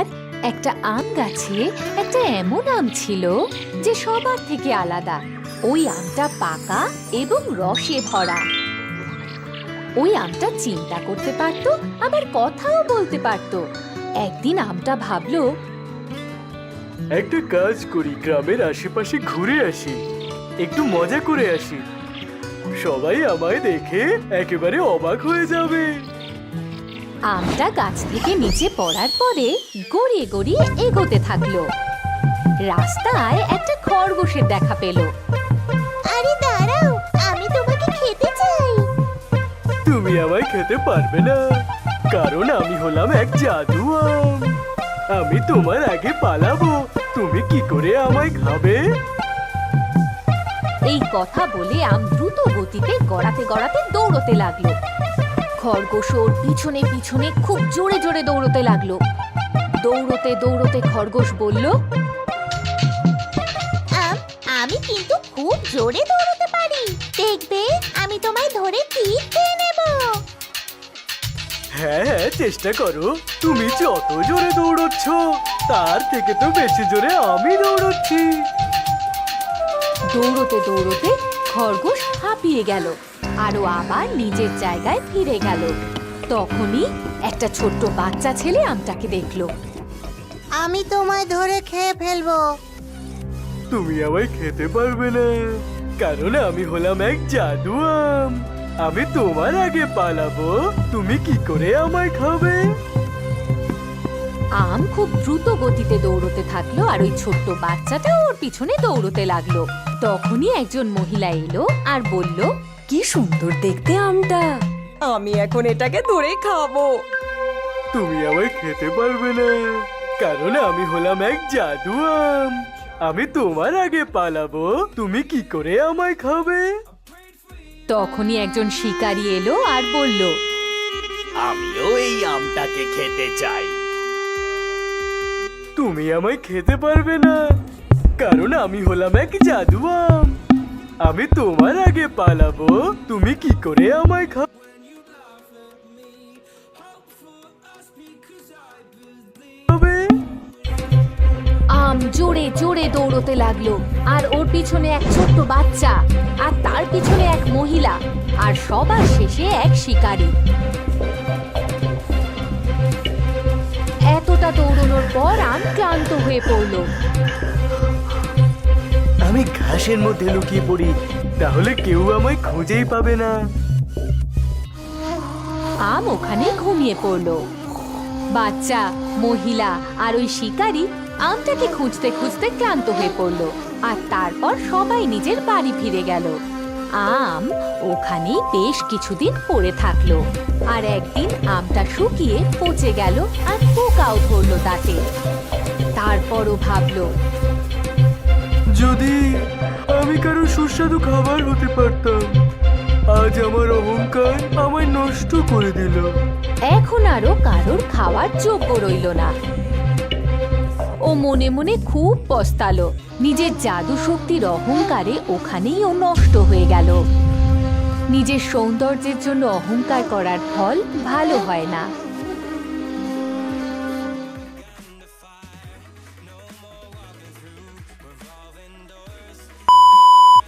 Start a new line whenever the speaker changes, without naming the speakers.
একবার একটা আম গাছে একটা এমন আম ছিল যে সবার থেকে আলাদা। ওই আমটা পাকা এবং রসে ভরা। ওই আমটা চিন্তা করতে পারতো, আবার কথাও বলতে পারতো। একদিন আমটা ভাবলো,
একটা কাজ করি, গ্রামের আশেপাশে ঘুরে আসি, একটু মজা করে আসি। সবাই আমায় দেখে একেবারে অবাক হয়ে যাবে।
আমটা গাছ থেকে নিচে পড়ার পরে গড়িয়ে গড়িয়ে এগোতে থাকলো। রাস্তায় একটা খরগোশের দেখা পেল।
আরে দাঁড়াও, আমি তোমাকে খেতে চাই।
তুমি আমায় খেতে পারবে না, কারণ আমি হলাম এক জাদু আম। আমি তোমার আগে পালাবো, তুমি কি করে আমায় খাবে?
এই কথা বলে আম দ্রুত গতিতে গড়াতে গড়াতে দৌড়তে লাগলো। খরগোশ ওর পিছনে পিছনে খুব জোরে জোরে দৌড়তে লাগলো। দৌড়তে দৌড়তে খরগোশ বলল,
আমি কিন্তু খুব জোরে দৌড়তে পারি, দেখবে আমি তোমায় ধরে ঠিক খেয়ে নেব।
হ্যাঁ হ্যাঁ, চেষ্টা করো। তুমি যত জোরে দৌড়চ্ছ তার থেকে তো বেশি জোরে আমি দৌড়চ্ছি।
দৌড়তে দৌড়তে খরগোশ হাঁপিয়ে গেল আর ও আবার নিজের জায়গায় ফিরে গেল। তখনই একটা ছোট্ট বাচ্চা ছেলে আমটাকে দেখলো।
আমি তোমায় ধরে খেয়ে ফেলবো।
তুমি আমায় খেতে পারবে না, কারণ আমি হলাম এক জাদু আম। আমি তোমার আগে পালাবো, তুমি কি করে আমায় খাবে?
আম খুব দ্রুত গতিতে দৌড়তে থাকলো আর ওই ছোট্ট বাচ্চাটা ওর পিছনে দৌড়তে লাগলো। তখনই একজন মহিলা এলো আর বলল,
কি সুন্দর দেখতে আমটা, আমি এখন এটাকে ধরে খাবো।
তুমি আমায় খেতে পারবে না, কারণ আমি হলাম এক জাদু আম। আমি তোমার আগে পালাবো, তুমি কি করে আমায় খাবে?
তখনই একজন শিকারী এলো আর বলল,
আমিও এই আমটাকে খেতে চাই।
তুমি আমায় খেতে পারবে না, কারণ আমি হলাম এক জাদু আম। আমি তোমার আগে পালাবো, তুমি কি করে আমায় খাবে?
আম জোরে জোরে দৌড়তে লাগলো আর ওর পিছনে এক ছোট্ট বাচ্চা, আর তার পিছনে এক মহিলা, আর সবার শেষে এক শিকারী। এতটা দৌড়ানোর পর আম ক্লান্ত হয়ে পড়ল।
আমি ঘাসের মধ্যে লুকিয়ে পড়ি, তাহলে কেউ আমায় খুঁজেই পাবে না।
আম ওখানে ঘুমিয়ে পড়ল। বাচ্চা, মহিলা আর ওই শিকারী আমটাকে খুঁজতে খুঁজতে ক্লান্ত হয়ে পড়ল, আর তারপর সবাই নিজের বাড়ি ফিরে গেল। আম ওখানেই বেশ কিছুদিন পড়ে থাকলো, আর একদিন আমটা শুকিয়ে পচে গেল আর পোকাও ধরলো তাতে। তারপরও ভাবলো,
যদি আমি কারো সুস্বাদু খাবার হতে পারতাম। আজ আমার অহংকার আমায় নষ্ট করে দিল।
এখন আরো কারোর খাওয়ার যোগ্য রইল না। ও মনে মনে খুব পস্তালো। নিজের জাদু শক্তির অহংকারে ওখানেই ও নষ্ট হয়ে গেল। নিজের সৌন্দর্যের জন্য অহংকার করার ফল ভালো হয় না।